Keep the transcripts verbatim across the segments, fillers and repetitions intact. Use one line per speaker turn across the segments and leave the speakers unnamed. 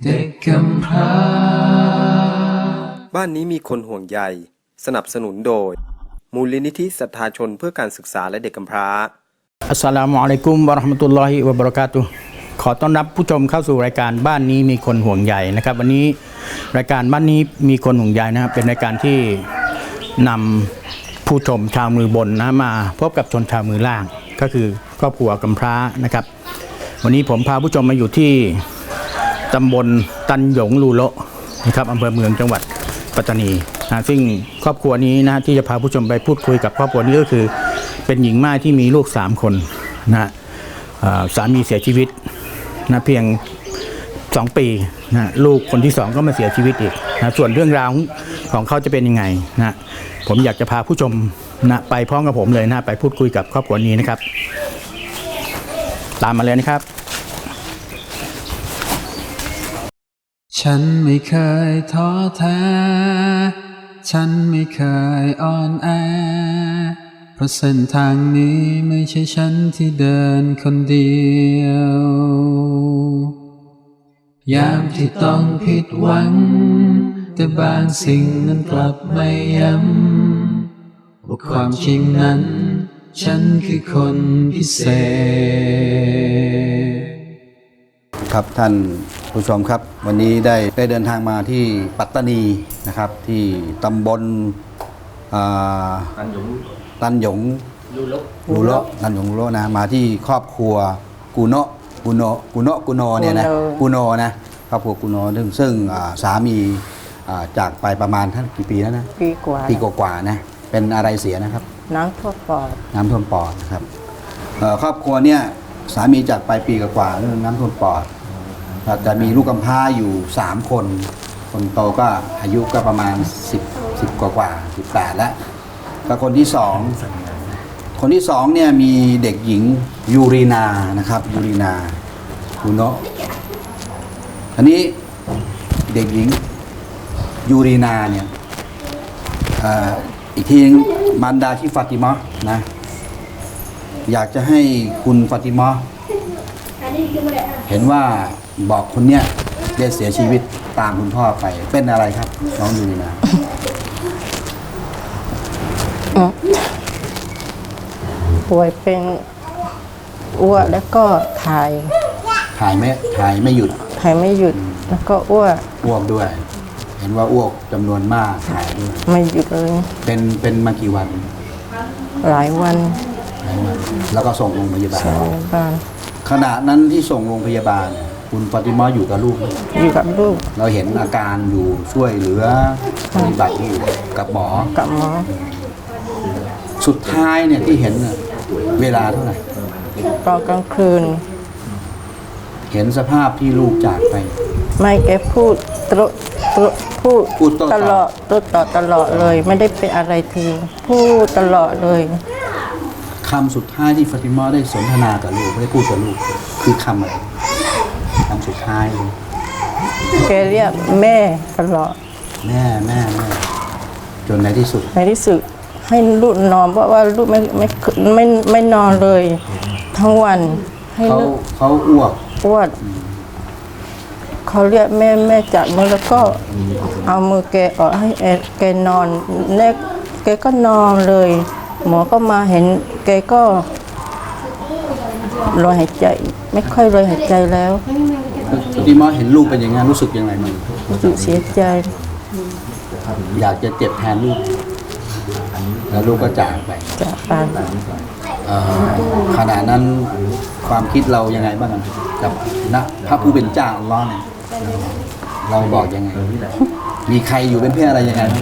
เด็กกำพร้า
บ้านนี้มีคนห่วงใยสนับสนุนโดยมูลนิธิศรัทธาชนเพื่อการศึกษาและเด็กกำพร้า
อัสสลามุอะลัยกุมวะเราะห์มะตุลลอฮิวะบะเราะกาตุฮ์ขอต้อนรับผู้ชมเข้าสู่รายการบ้านนี้มีคนห่วงใยนะครับวันนี้รายการบ้านนี้มีคนห่วงใยนะครับเป็นรายการที่นำผู้ชมชาวมือบนนะมาพบกับชนชาวมือล่างก็คือครอบครัวกำพร้านะครับวันนี้ผมพาผู้ชมมาอยู่ที่ตำบลตันหยงลูโละนะครับอำเภอเมืองจังหวัดปัตตานีนะซึ่งครอบครัวนี้นะที่จะพาผู้ชมไปพูดคุยกับครอบครัวนี้ก็คือเป็นหญิงม่ายที่มีลูกสามคนนะสามีเสียชีวิตนะเพียงสองปีนะลูกคนที่สองก็มาเสียชีวิตอีกนะส่วนเรื่องราวของเขาจะเป็นยังไงนะผมอยากจะพาผู้ชมนะไปพร้อมกับผมเลยนะไปพูดคุยกับครอบครัวนี้นะครับตามมาเลยนะครับ
ฉันไม่เคยท้อแท้ฉันไม่เคยอ่อนแอเพราะเส้นทางนี้ไม่ใช่ฉันที่เดินคนเดียวยามที่ต้องผิดหวังแต่บางสิ่งนั้นกลับไม่ย้ำว่าความจริงนั้นฉันคือคนพิเศษ
ครับท่านผู้ชมครับวันนี้ได้ได้เดินทางมาที่ปัตตานีนะครับที่ตำบลตันหยงตันหยงลูโละลูโละตันหยงลูโละนะมาที่ครอบครัวกูโนะกูโนะกูโนะกูโนเนี่ยนะกูโนนะครอบครัวกูโนซึ่งซึ่งสามีจากไปประมาณท่านกี่ปีแล้วนะ
ปีกว่า
ปีกว่าๆนะเป็นอะไรเสียนะครับ
น้ำท่วมปอด
น้ำท่วมปอดนะครับครอบครัวเนี่ยสามีจากไปปีกว่าๆเรื่องน้ำท่วมปอดจะมีลูกกำพร้าอยู่สามคนคนโตก็อายุก็ประมาณสิบ สิบกว่ากว่าสิบแปดแล้วก็คนที่สองคนที่สองเนี่ยมีเด็กหญิงยูรีนานะครับยูรีนาคุโนะอันนี้เด็กหญิงยูรีนาเนี่ยอีกทีนึงมารดาที่ฟาติมะนะอยากจะให้คุณฟาติมะเห็นว่าบอกคนเนี้ยได้เสียชีวิตตามคุณพ่อไปเป็นอะไรครับน้องยูรีนา
ป่วยเป็นอ้วกแล้วก็ถ่าย
ถ่ายไม่ถ่ายไม่หยุด
ถ่ายไม่หยุดแล้วก็อ้วก
อ้วกด้วยเห็นว่าอ้วกจำนวนมากถ่ายด้วย
ไม่หยุดเลยเป็น
เป็นมากี่วัน
หลายวัน
หลายวันแล้วก็ส่งโรงพยาบาลขณะนั้นที่ส่งโรงพยาบาลคุณฟาติมาอยู่กับลูก
อยู่กับลูก
เราเห็นอาการอยู่ช่วยเหลือปฏิบัติอยู่กับหมอ
กับหมอ
สุดท้ายเนี่ยที่เห็นเวลาเท่าไหร่
ตอนกลางคืน
เห็นสภาพที่ลูกจากไป
ไม่แกพูดตรตรพูดพูดตลอดตต่อตลอดเลยไม่ได้เป็นอะไรทีพูดตลอดเลย
คำสุดท้ายที่ฟาติมาได้สนทนากับลูกได้พูดกับลูกคือคำอะไรคำสุดท้ายเลย
แกเรียกแม่ตลอด
แม่แม่แม่จนในที่สุด
ในที่สุดให้ลูกนอนเพราะว่าลูกไม่ไม่ไม่ไม่นอนเลยทั้งวันให้
เขาเขาอ้วก
อ้วกเขาเรียกแม่แม่จับมือแล้วก็เอามือแกออกให้แกนอนแรกแกก็นอนเลยหมอก็มาเห็นแกก็ลอยหายใจไม่ค่อยลอยหายใจแล้ว
ที่มาเห็นลูกเป็นยังไงรู้สึกยังไงมัน
รู้สึกเสียใจ
อยากจะเจ็บแทนลูกแล้วลูกก็จากไป
จากไป
ขณะนั้นความคิดเรายังไงบ้างกับนะพระผู้เป็นเจ้าอัลเลาะห์เนี่ยเราบอกยังไงมีใครอยู่เป็นเพื่อนอะไรยังไง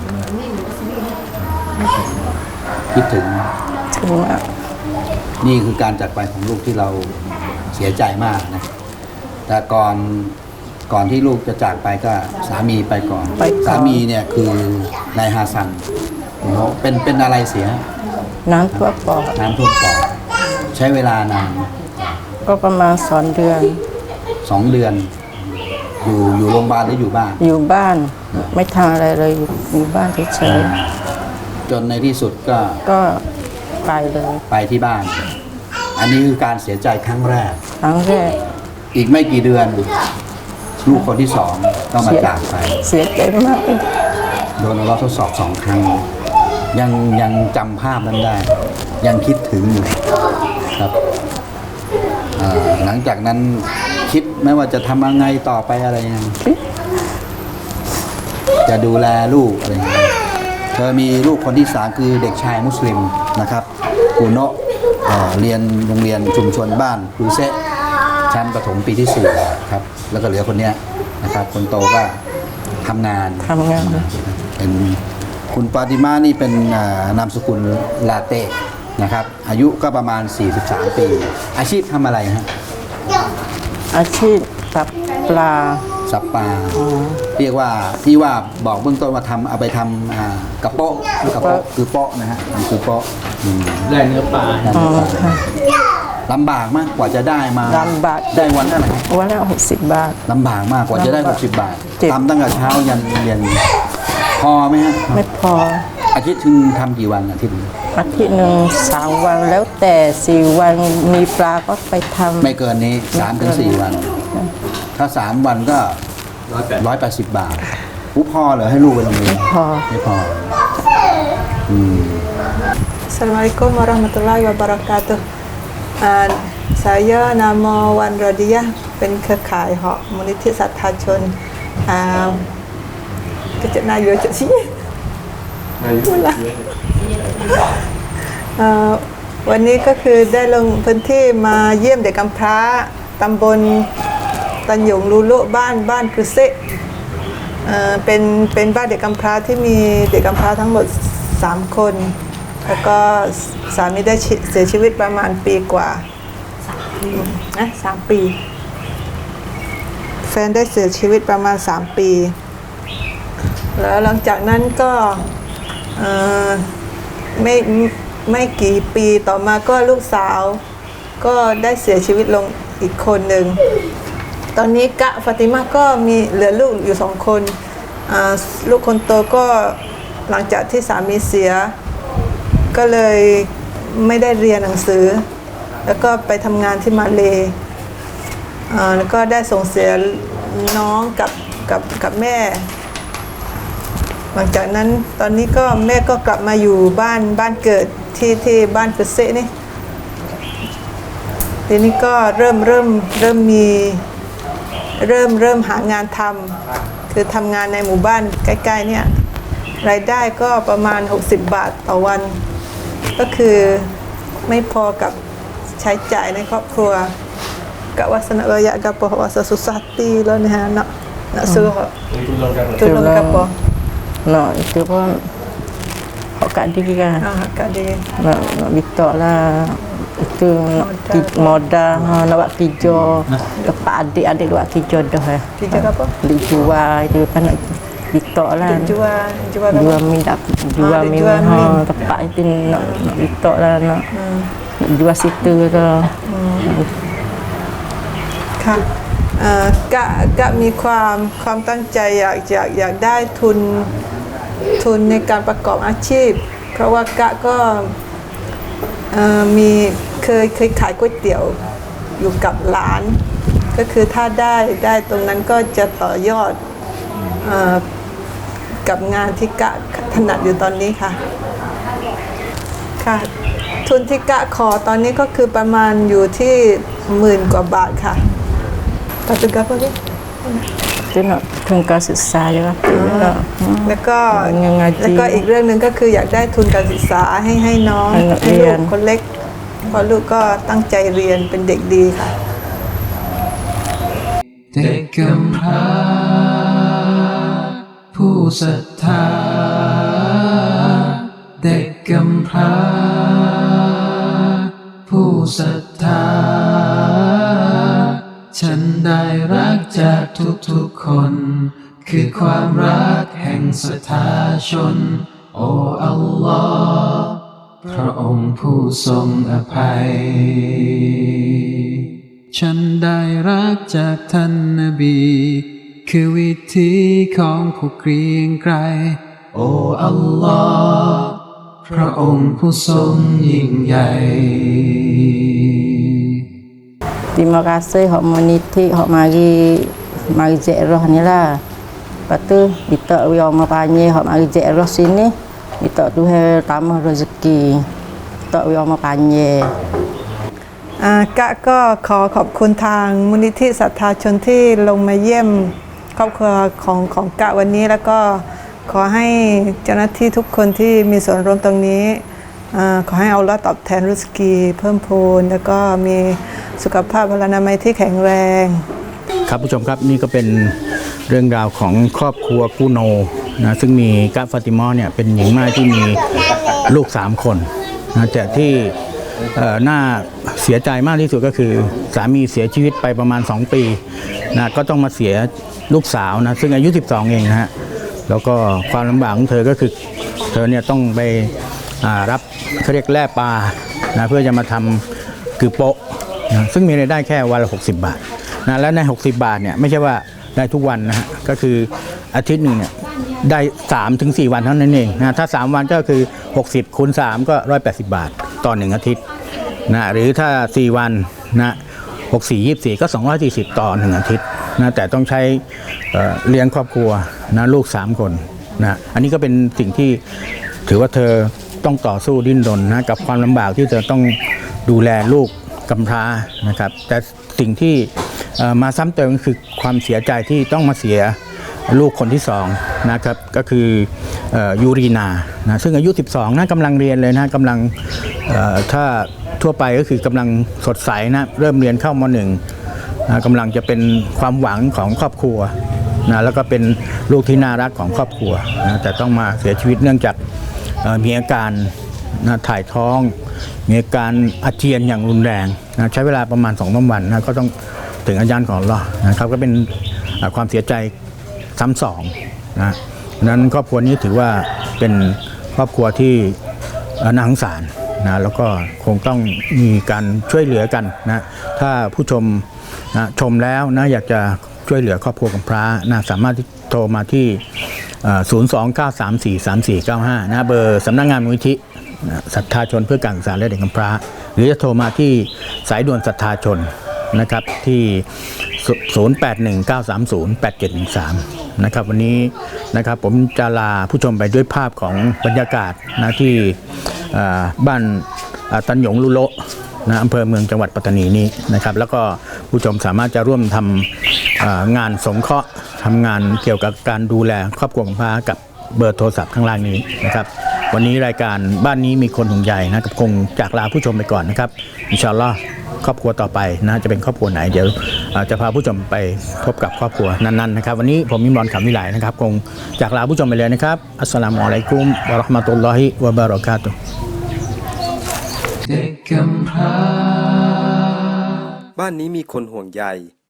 คิดถึง
ถึง
นี่คือการจากไปของลูกที่เราเสียใจมากนะแต่ก่อนก่อนที่ลูกจะจากไปก็สามีไปก่อนสามีเนี่ยคือนายฮาซันเป็นเป็นอะไรเสีย
น้ำท่วมปอด
น้ำท่วมปอดใช้เวลานาน
ก็ประมาณสองเดือน
สองเดือนอยู่อยู่โรงพยาบาลหรืออยู่บ้าน
อยู่บ้านไม่ทำอะไรเลยอยู่บ้านเฉย
ๆจนในที่สุดก็
ก็ไปเลย
ไปที่บ้านอันนี้คือการเสียใจครั้งแรก
ครั้งแรก
อีกไม่กี่เดือนลูกคนที่สองต้องมาจากไป
เสียใจมาก
โดนอัลเลาะห์ทดสอบสองครั้ง ยังยังจำภาพนั้นได้ ยังคิดถึงอยู่ครับอ่าหลังจากนั้นคิดไหมว่าจะทำยังไงต่อไปอะไรยังไงจะดูแลลูกอะไรอย่างเงี้ยเธอมีลูกคนที่สามคือเด็กชายมุสลิมนะครับกูโนะเอ่อเรียนโรงเรียนชุมชนบ้านคูเซะชั้นประถมปีที่สี่ครับแล้วก็เหลือคนเนี้ยนะครับคนโตก็ทำงาน
ทำงาน
เป็นคุณปาติมานี่เป็นอ่านามสกุลลาเต้นะครับอายุก็ประมาณ สี่สิบสาม ปี อาชีพทำอะไรฮะ
อาชีพตับปลา
สับปลาเรียกว่าที่ว่าบอกเบื้องต้นว่าทำเอาไปทำอ่ากระโปะกระโปะคือโปะนะฮะมันคือโปะอืม
ได้เนื้อปลา
ได้
อ๋อ
ไหมครับ
ค่ะ
ลำบากมากกว่าจะได้มา
ลำบาก
ได้วันเท่าไหร่
วันละหกสิบบาท
ลำบากมากกว่าจะได้
ลำบาก
หกสิบบาท
เจ็บ
ทำตั้งแต่เช้ายันเย็นพอไหมฮะ
ไม่พอ
อาทิตย์ถึงทำกี่วันอาทิตย์หนึ่ง
อาทิตย์หนึ่งสามวันแล้วแต่สี่วันมีปลาก็ไปทำ
ไม่เกินนี้สามถึงสี่วัน ถ้าสามวันก็ร้อยแปดสิบบาทอู้พอเหรอให้ลูกไปโรงเรียน
พอ
ไม่พออืม
Assalamualaikum warahmatullahi wabarakatuh. Uh, saya nama Wan Rodiah เป็นเครือข่ายเหาะมูลนิธิศรัทธาชนอ่าก็จะนายอยู่จุดนี้วันนี้ก็คือได้ลงพื้นที่มาเยี่ยมเด็กกำพร้าตำบลตันหยงลูลุบ้านบ้านคือเซเอ่อเป็นเป็นบ้านเด็กกำพร้าที่มีเด็กกำพร้าทั้งหมดสามคนแล้วก็สามีได้เสียชีวิตประมาณปีกว่านะสามปี แฟนได้เสียชีวิตประมาณสามปี แล้วหลังจากนั้นก็เอ่อไม่ไม่กี่ปีต่อมาก็ลูกสาวก็ได้เสียชีวิตลงอีกคนหนึ่ง ตอนนี้กะฟาติมาก็มีเหลือลูกอยู่สองคนอ่าลูกคนโตก็หลังจากที่สามีเสียก็เลยไม่ได้เรียนหนังสือ แล้วก็ไปทำงานที่มาเลย์อ่าแล้วก็ได้ส่งเสียน้องกับกับกับแม่ หลังจากนั้นตอนนี้ก็แม่ก็กลับมาอยู่บ้านบ้านเกิดที่ที่บ้านกุเซนี่ทีนี้ก็เริ่มเริ่มเริ่มมีเริ่มเริ่มหางานทำคือทำงานในหมู่บ้านใกล้ๆเนี่ยรายได้ก็ประมาณหกสิบบาทต่อวัน ก็คือไม่พอกับใช้จ่ายในครอบครัวกะวาสนาระยะกับปะวาสสุสติแล้วนะฮะเนาะนะซื้อจุลงกับปะ
Nak itu pun hak kat diri kan.
อ่าก็ดี
Nak nak minta lah itu nak ki- modal ha, nak buat kerja. Lepas adik-adik buat kerja dah. eh.
Kerja apa?
Duk jual itu kan nak minta lah.
jual jual apa?
Jual min dak jual
dia
min
jual
ha
min.
tempat itu nak nak minta lah nak. Nak jual situ lah.
ค่ะเอ่อกะกะมีความความตั้งใจอยากอยากอยากได้ทุนทุนในการประกอบอาชีพ เพราะว่ากะก็เอ่อมีเคยเคยขายก๋วยเตี๋ยวอยู่กับหลาน ก็คือถ้าได้ได้ตรงนั้นก็จะต่อยอดเอ่อกับงานที่กะถนัดอยู่ตอนนี้ค่ะค่ะ ทุนที่กะขอตอนนี้ก็คือประมาณอยู่ที่หมื่นกว่าบาทค่ะตัดตึกกับพวกนี้
Itu nak tunggal susah je lah. Tu lah.
แล้วก็
ยังไงจี
แล้วก็อีกเรื่องหนึ่งก็คืออยากได้ทุนการศึกษาให้ให้น้อง
ให้นัก
ให้
เรี
ลู
ย
ก
น
คนเล็กเพราะลูกก็ตั้งใจเรียนเป็นเด็กดีค่ะ
เด็กกำพร้าผู้ศรัทธาเด็กกำพร้าผู้ศรัทธาฉันได้รักจากทุกๆคน คือความรักแห่งศรัทธาชน โอ้อัลลอฮ์พระองค์ผู้ทรงอภัย ฉันได้รักจากท่านนบี คือวิธีของผู้เกรียงไกร โอ้อัลลอฮ์พระองค์ผู้ทรงยิ่งใหญ่
Terima kasih hak moniti hak mari mari ziarah ni lah. Lepas tu kita biar orang panggil hak mari ziarah sini, kita Tuhan tambah rezeki. Kita biar orang panggil.
อ่ากะก็ขอขอบคุณทางมูลนิธิศรัทธาชนที่ลงมาเยี่ยมครอบครัวของของกะวันนี้แล้วก็ขอให้เจ้าหน้าที่ทุกคนที่มีส่วนร่วมตรงนี้อ่าขอให้เอาละตอบแทนรุสกีเพิ่มพูนแล้วก็มีสุขภาพพลานามัยที่แข็งแรง
ครับผู้ชมครับนี่ก็เป็นเรื่องราวของครอบครัวกูโนนะซึ่งมีกะฟาติมาเนี่ยเป็นหญิงม่ายที่มีลูกสามคนนะแต่ที่เอ่อน่าเสียใจมากที่สุดก็คือสามีเสียชีวิตไปประมาณสองปีนะก็ต้องมาเสียลูกสาวนะซึ่งอายุสิบสองเองนะฮะแล้วก็ความลำบากของเธอก็คือเธอเนี่ยต้องไปอ่ารับเขาเรียกแล่ปลานะเพื่อจะมาทำคือโป๊ะนะซึ่งมีรายได้แค่วันละหกสิบบาทนะและในหกสิบบาทเนี่ยไม่ใช่ว่าได้ทุกวันนะฮะก็คืออาทิตย์หนึ่งเนี่ยได้สามถึงสี่วันเท่านั้นเองนะถ้าสามวันก็คือหกสิบคูณสามก็หนึ่งร้อยแปดสิบบาทต่อหนึ่งอาทิตย์นะหรือถ้าสี่วันนะหก สี่ ยี่สิบสี่ก็สองร้อยสี่สิบต่อหนึ่งอาทิตย์นะแต่ต้องใช้เอ่อเลี้ยงครอบครัวนะลูกสามคนนะอันนี้ก็เป็นสิ่งที่ถือว่าเธอต้องต่อสู้ดิ้นรนนะกับความลำบากที่เธอต้องดูแลลูกกำพร้านะครับแต่สิ่งที่เอ่อมาซ้ำเติมก็คือความเสียใจที่ต้องมาเสียลูกคนที่สองนะครับก็คือเอ่อยูรีนานะซึ่งอายุสิบสองนะกำลังเรียนเลยนะกำลังเอ่อถ้าทั่วไปก็คือกำลังสดใสนะเริ่มเรียนเข้ามหนึ่งนะกำลังจะเป็นความหวังของครอบครัวนะแล้วก็เป็นลูกที่น่ารักของครอบครัวนะแต่ต้องมาเสียชีวิตเนื่องจากเอ่อมีอาการนะถ่ายท้องมีอาการอาเจียนอย่างรุนแรงนะใช้เวลาประมาณสองสามวันนะก็ต้องถึงอาจารย์ของเรานะครับก็เป็นเอ่อความเสียใจซ้ำสองนะนั้นครอบครัวนี้ถือว่าเป็นครอบครัวที่เอ่อน่าสงสารนะแล้วก็คงต้องมีการช่วยเหลือกันนะถ้าผู้ชมนะชมแล้วนะอยากจะช่วยเหลือครอบครัวกำพร้านะสามารถที่โทรมาที่ศูนย์ สอง เก้า สาม สี่ สาม สี่ เก้า ห้านะเบอร์สำนักงานมูลนิธิศรัทธาชนเพื่อการศึกษาและเด็กกำพร้าหรือจะโทรมาที่สายด่วนศรัทธาชนนะครับที่ศูนย์ แปด หนึ่ง เก้า สาม ศูนย์ แปด เจ็ด หนึ่ง สามนะครับวันนี้นะครับผมจะลาผู้ชมไปด้วยภาพของบรรยากาศนะที่บ้านตันหยงลุโละนะอำเภอเมืองจังหวัดปัตตานีนี้นะครับแล้วก็ผู้ชมสามารถจะร่วมทำงานสงเคราะห์ทำงานเกี่ยวกับการดูแลครอบครัวกำพร้ากับเบอร์โทรศัพท์ข้างล่างนี้นะครับวันนี้รายการบ้านนี้มีคนห่วงใยนะกับคงจากลาผู้ชมไปก่อนนะครับอินชาอัลลอฮ์ครอบครัวต่อไปนะจะเป็นครอบครัวไหนเดี๋ยวจะพาผู้ชมไปพบกับครอบครัวนั้นๆนะครับวันนี้ผมมิมรอนขำวิไลนะครับคงจากลาผู้ชมไปเลยนะครับอัสสลามุอะลัยกุมวะเราะห์มะตุลลอฮิวะบะเราะกาตุฮ์
เด็กกำพร้า
บ้านนี้มีคนห่วงใย